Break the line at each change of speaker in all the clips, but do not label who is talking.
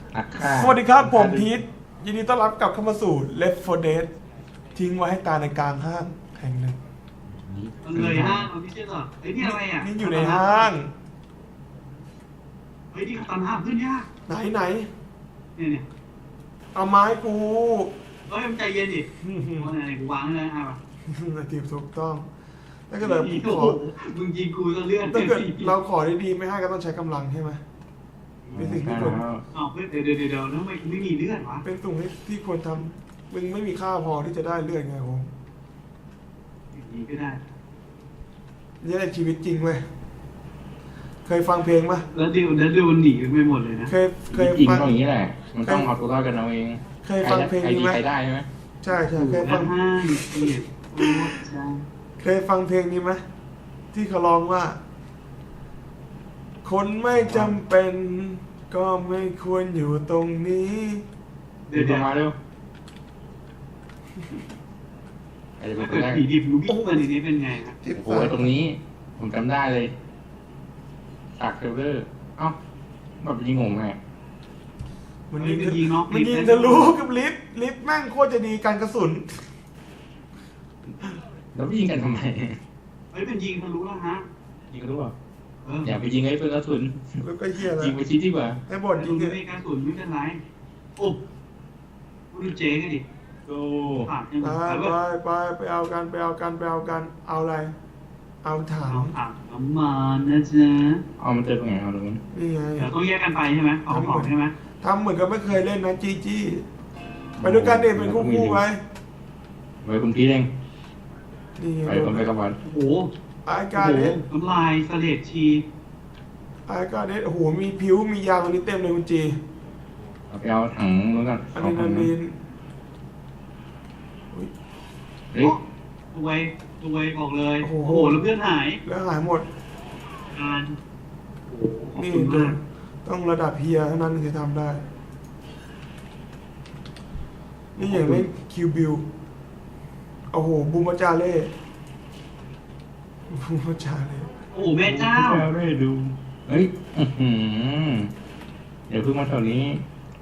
นักฆ่า
สวัสดีครับผมพีทยินดีต้อนรับกลับเข้ามาสู่ Left 4 Dead ทิ้งไว้ให้ตายในกลางห้างแห่งหนึ่ง
มันเลยห้างมันไม่ใช่หรอไอ้นี่อะไรอ่ะ
นี่อยู่ในห้าง
เฮ้ยนี่ตันห้างขึ้นยาก
ไหน
เนี่ย
เอาไม้กู
เฮ้ยมันใจเย็นดิว่าไหนกูวางเลยอ่ะ
ทีมถูกต้องถ้าเกิดเราขอ
มึงยิงกูจะเลื่อน
ถ้าเกิดเราขอดีๆไม่ให้ก็ต้องใช้กำลังใช่ไหมเป็นสิ่งที่ควร
อ๋อเดี๋ยวแล้วไม่มีเลื่อนวะ
เป็นสิ่งที่ควรทำมึงไม่มีค่าพอที่จะได้เลือดไงผม
อย่างนี้ก็ได้
นี่ในชีวิตจริงเว้ยเคยฟังเพลงปะ
แล้วดิวมันหนีไปหมดเลยนะ
เคยจริงก็อย่างนี้แหละมันต้องเอาตัวรอดกันเอาเอง
เคยฟังเพลงนี้ไหม
ใครได้ใช่ไหม
ใช่เคย
ตั
ฟัง
นห้างเกียรติโอ้ใช่
เคยฟังเพลงนี้ไหมที่เขาร้องว่า คนไม่จำเป็นก็ไม่ควรอยู่ตรงนี้
เดี๋ยว
มาเร็วไอ้เป็นคนแรก
ผีดิบรู้บิ๊กมันนี้เป็นไงครับ
โอ้โหตรงนี้ผมจำได้เลยฉากเทรลเลอร์เอ้าแบบยิงงงไง
มันยิงทะลุกับลิฟต์แม่งโคตรจะดีกันกระสุน
แล้วยิงกันทำไม
เฮ้ยเป็นยิงทะลุแล้วฮะ
ยิงกันรู้เปล่าอย่าไปยิงไอ้เพื่อนกระสุน
แล้วก็เฮียแล้ว
ยิงไปชี้ดีกว่า
ไอ้บอดยิง
ไม่
เนี่ย
มีการสูญไม่เป็นไรโอ้ดูเจ๊กันดิ
โอ้
ผ่านยัง
ไปเอากันเอาอะไร เอาถัง
เอาถังน้ำมันนะจ๊ะ
เอามันเจอตรงไหนเอาตรงนั้น
นี่ไง
เดี๋ยวต้องแยกกันไปใช่ไหมเอาของใช่ไหม
ทำเหมือนกับไม่เคยเล่นนะจี้ไปด้วยกันเด็เป็นคู่ๆไว้
ไว้คุณพี่เอง
นี่ไง
ไปคนไปกับวัน
โอ้โห
ไอ้กาเด็ด
น้ำลายเสลดชี
ไอ้กาเด็ดโอ้โหมีผิวมียางตรงนี้เต็มเลยคุณจี
เอาไปเอาถังนู้นกัน
อะดรีนาลีน
เฮ้ย
ตัวบอกเลยโอ้โหแล้วเพื่อนหาย
แล้วหายหมด
การโอ้โหขอบ
นี่
คุณมาก
ต้องระดับเฮียเท่านั้นถึงจะทำได้ นี่อย่างเล่นคิวบิลโอ้โหบูมจาเล่บูมจาเล่
โอ้โหแม่เจ้า
ไม่ดูเฮ้ยเดี๋ยวเพิ่งมาแถวนี้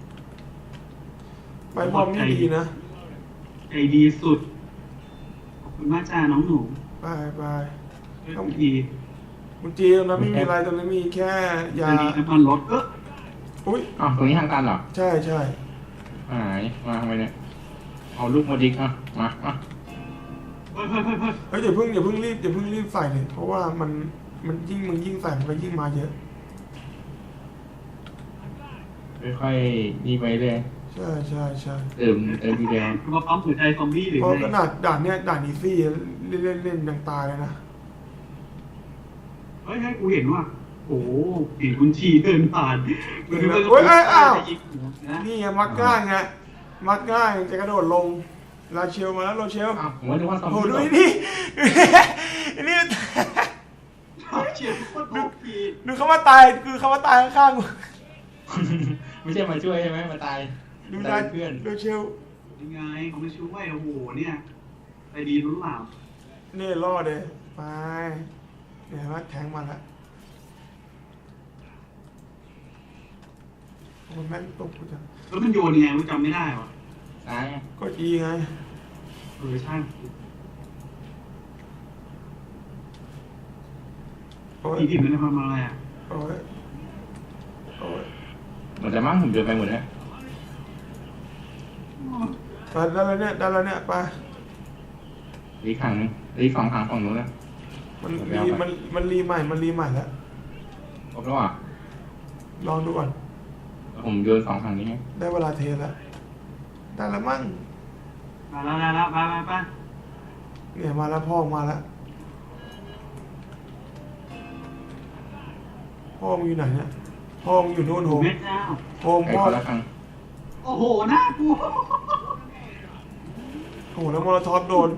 ไปบอมนี่ดีนะ
ใจดีสุดขอบคุณมากจ้าน้องหนู
ไป
ต้องดี
คุณจีตรงนั้นไม่มีอะไรตรงนั้นมีแค่ยา
ใจดีน้ำมันรถ
อุ้ย
อ้าวตรงนี้ทางการเหรอ
ใช่
หายมาทำไมเนี่ยเอาลูกมาดิกอ่ะมา
เฮ้ย
เฮ้ยอย่าเพิ่งรีบใส่เลยเพราะว่ามันยิ่งมึงยิ่งใส่มันก็ยิ่งมาเยอะ
ค่อยๆนี่ไปเลย
ใช่
เติมดีแดง
มาปั๊มหัวใจซอมบี้หรือ
เพราะ
ไง
ขนาดด่านเนี้ยด่านอีซี่เล่นยังตายเลยนะ
เฮ้ยกูเห็นว่าโอ้เห็นคุณชีเดินผ่าน
นี่ไงมักง่ายจะกระโดดลงลาเชลมาแล้วโรเชล
อ้าวผมว่านึกว่าซอม
โอ้
บี้
ดู
หรอ
นี่
เชียร์โคตรโอพี
ดูเขามาตายคือเขามาตายข้าง
ไม่ใช่มาช่วยใช่ไหมมาตาย
ๆดู
ตา
นะ
ยเพื่อน
โรเชล
ยังไงเขาไม่ช่วยโอ้โหเนี่ยใจดีรู้เปล่า
นี่รอดเลยไปเนี่ยว่าแทงมาแล้วมันแม่งตกกูจัง
แล้วมันโยนยังไงกูจำไม่ได้วะ
ตาย
ก็อีไง
ใช่
โอ้ย
ผีดิบมันทำอะไรอ่ะ
โอ้ย
หมดแล้วมั้งผมเดินไปหมดแล้ว
ไปได้แล้วเนี่ยไป
อีกขังนึงอีกสองขังฝั่งนู้นนะ
มันรีใหม่แล้ว
ครบแล้วอ่ะ
ลองดูก่อน
ผมโยนสองขังนี้
ได้เวลาเทแล้วได้แล้วมั้ง
มาแล้วไป
เนี่ยมาแล้วพ่อมาแล้วพ่อมึงอยู่ไหนเนี่ยพ่อมึงอยู่โน่นโฮม
แม่เจ้า
โฮม
ไอ้
พ่อ
คนละขัง
โอ้โหน่ากลัว
โอ้โหแล้วมอลโทอฟโดน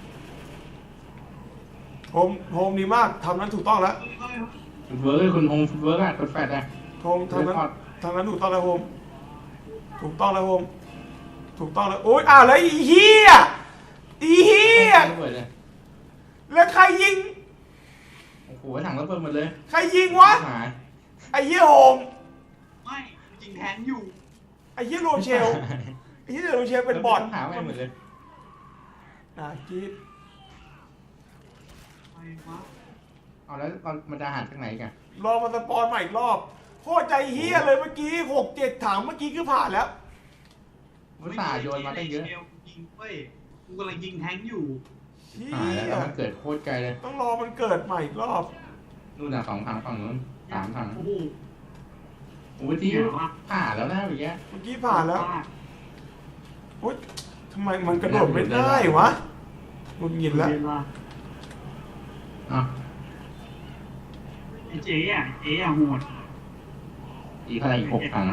โฮมดีมากทำนั้นถูกต้องแล้ว
ฟุตเวิร์กคุณโฮมฟุตเวิร์กอ่ะกดแฟดอ่ะ
โฮมทำนั้นถูกต้องแล้วโฮมถูกต้องแล้วโอ๊ยอ้าวแล้วอีเหี้ยแล้วใครยิง
โอ้โหถังระเบิดหมดเลย
ใครยิงวะ
หาย
ไอ้เหี้ยโฮม
ไม่จริงแทงอยู่
ไอ้เหี้ยโรเชลไอ้เหี้ยโรเชลเป็นบอท
หาไม่หมดเลย
จี๊ด
ไปวะ
เอาแล้วมันจะหาจากไหนกัน
รอมาสปอนใหม่อีกรอบโคตรใจเฮี้ยเลยเมื่อกี้6-7ถังเมื่อกี้คือผ่านแล้ว
มุสาห์โยนมาตั้งเยอะ
ยิงเว้ยกูกำลังยิงแทงค์อยู่
เฮี
หาแล้ว
ย
แล้วมันเกิดโคตรไกลเลย
ต้องรอมันเกิดใหม่อีกรอบ
นู่นน่ะ2 ถังฝั่งนู้น3 ถัง
โอ้โห
โอ้ยที่ผ่าแล้วนะอย่างเงี้ย
เมื่อกี้ผ่านแล้วโอ๊ยทำไมมันกระโดดไม่ได้วะหงุดหงิดแล้ว
อ่ะ
ไอ้เจ๊อะโหด
อีกอะไรอีก6 ถัง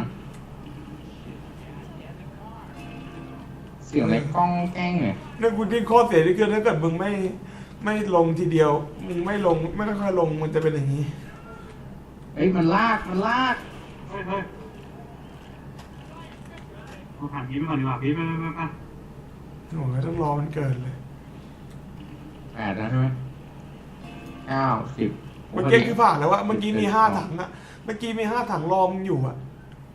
เสียงอะไรก้องแก้งเนี่ย
เนี่ยกูที่โคตรเสียที่คือถ้าเกิดมึงไม่ลงทีเดียวมึงไม่ลงไม่ค่อยๆลงมันจะเป็นอย่างนี้
เอ้ยมันลาก
เฮ้ยเอาผ่านพีทไปก่อนดีกว่าพีทไป
โอ้ยต้องรอมันเกิดเลย
8แล้วใช่ไหม9 10
เมื่อกี้คือผ่านแล้วอะเมื่อกี้มี5 ถังอะเมื่อกี้มี5 ถังรอมึงอยู่อะ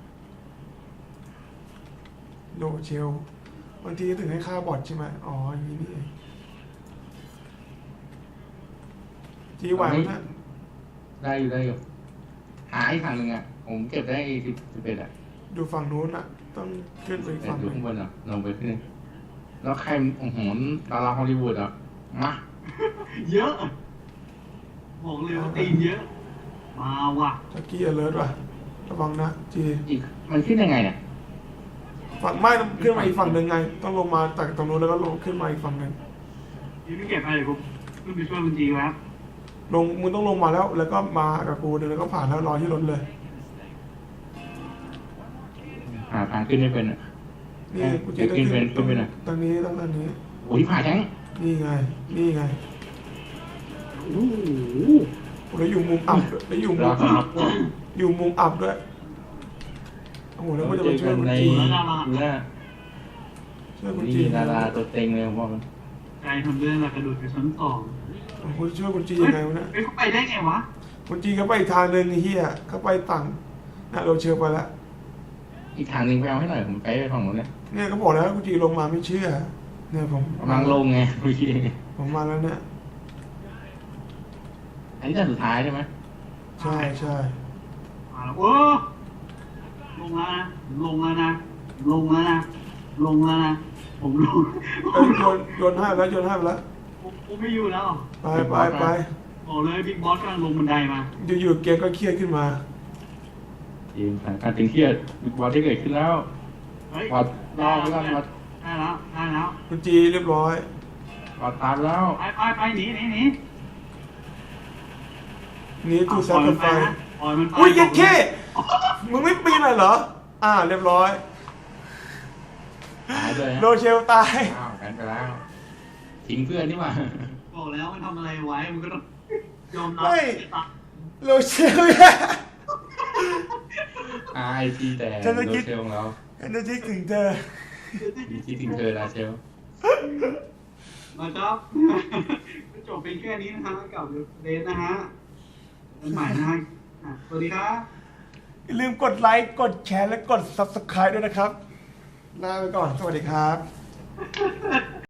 โดเชลบางทีถึงให้ค่าบอทใช่ไหมอ๋ออย่างนี้นี่เองจีไหวไหมนะ
ได้อยู่หาอีกถังหนึ่งอ่ะผมเก็บได้11อ่ะ
ดูฝั่งนู้นอะต้องขึ้นไปอีก
แต่
ฝั่ง
ดู
หนึ่ง
ข้างบนอ่ะลงไปขึ้นแล้วใครโอ้โหดาราฮอลลีวูดอ่ะมา
เยอะบอกเลยว่าตีนเยอะมาว่ะ
ตะกี้อเลิร์ว่ะระวังนะจี
อีกมันขึ้นยังไงเนี่ย
ฝั่งไม่ต้องขึ้นมาอีกฝั่งหนึ่งไง ต้องลงมาจากตรงนู้นแล้วก็ลงขึ้นมาอีกฝั่งหนึ่ง
พีทไม่เก็บอะไรเลยกูขึ้นไปช่วยคุณจีแล้ว
มึงต้องลงมาแล้วก็มากับกูเดี๋ยวแล้วก็ผ่านแล้วรอที่รถเลย
หาทางขึ้นไม่เป็นอ่ะ
นี่กูจีต้อง
ขึ้นเป็น
ต้อง
ขึ้นเป็นอะ
ตรงนี้ต้องตรงนี้
โอ้ยผ่าแท้ง
นี่ไง นี่ไง
โอ้โห
แล้วอยู่มุมอับด้วยแล้วอยู่มุ
รอ
ม
สำหรับ
อยู่มุมอับด้วยโอ้โหแล้วก็จะมาช่วยคุณจี
เนี่ย
ช่วยคุณ
นี่
จี
ดาราตัวเต็งเลยผมบอกเลย
ใจทำเรื่องอะไรกระโดดไปชั้น2
โอ้โหช่วยคุณจียังไงวะเนี่ย
เฮ้ยเขาไปได้ไงวะ
คุณจีเขาไปอีกทางหนึ่งไอ้เฮียเขาไปฝั่งน่ะเราเชิญไปแล้ว
อีกทางหนึ่งไปเอาให้หน่อยผมไปฝั่งนู้นเนี่ย
เนี่ยเขาบอกแล้วคุณจีลงมาไม่เชื่อ เนี่ยผม
กำลังลงไงเมื่อกี้
ผมมาแล้วเนี่ย
อันนี้จะสุดท้ายใช่ไหม
ใช่ใช่
มาแล้วโอ้ลงแล้วนะลงแล้วนะลงแล้วนะลงแล้วนะผมลง
เอ้ยโยนให้ไปแล้วโยนให้ไปแล้ว
ผมไม่อยู่แล้ว
ไป
บอกเลยบิ๊กบอสกำลังลงบันไดมา
อยู่ๆเกมก็เครียดขึ้นมา
ทีมสถานการณ์ตึงเครียดบิ๊กบอลที่เกิดขึ้นแล้ว
เฮ้ย
วัดรอไปก่อนวัด
ได้แล้ว
คุณจีเรียบร้อย
วัดตามแล้ว
ไปหนี
นี่ทูซับกับไฟ
ปล่อยมันไป
อุ้ยเย็ดเคมึงไม่ปีนเลยเหรอ เรียบร้อย
หายเลย
โรเชลตาย
อ้าวกันไปแล้วทิ้งเพื่อนนี่หว่า
บอกแล้วมันทำอะไรไว้มันก็ต้องยอมรับ
ไม่ โรเชลเนี่ย
RIP แต่
ฉันจะ
โร
คิด
เชลของเรา
ฉันจะคิดถึงเธอ
มีที่ถึงเธอราเชล
นะครับจบเป็นแค่นี้นะฮะกับเดนนะฮะเป็นใหม่นะฮะสวัสดีครับ
อย่าลืมกดไลค์ กดแชร์ และกด Subscribe ด้วยนะครับ ลาไปก่อน สวัสดีครับ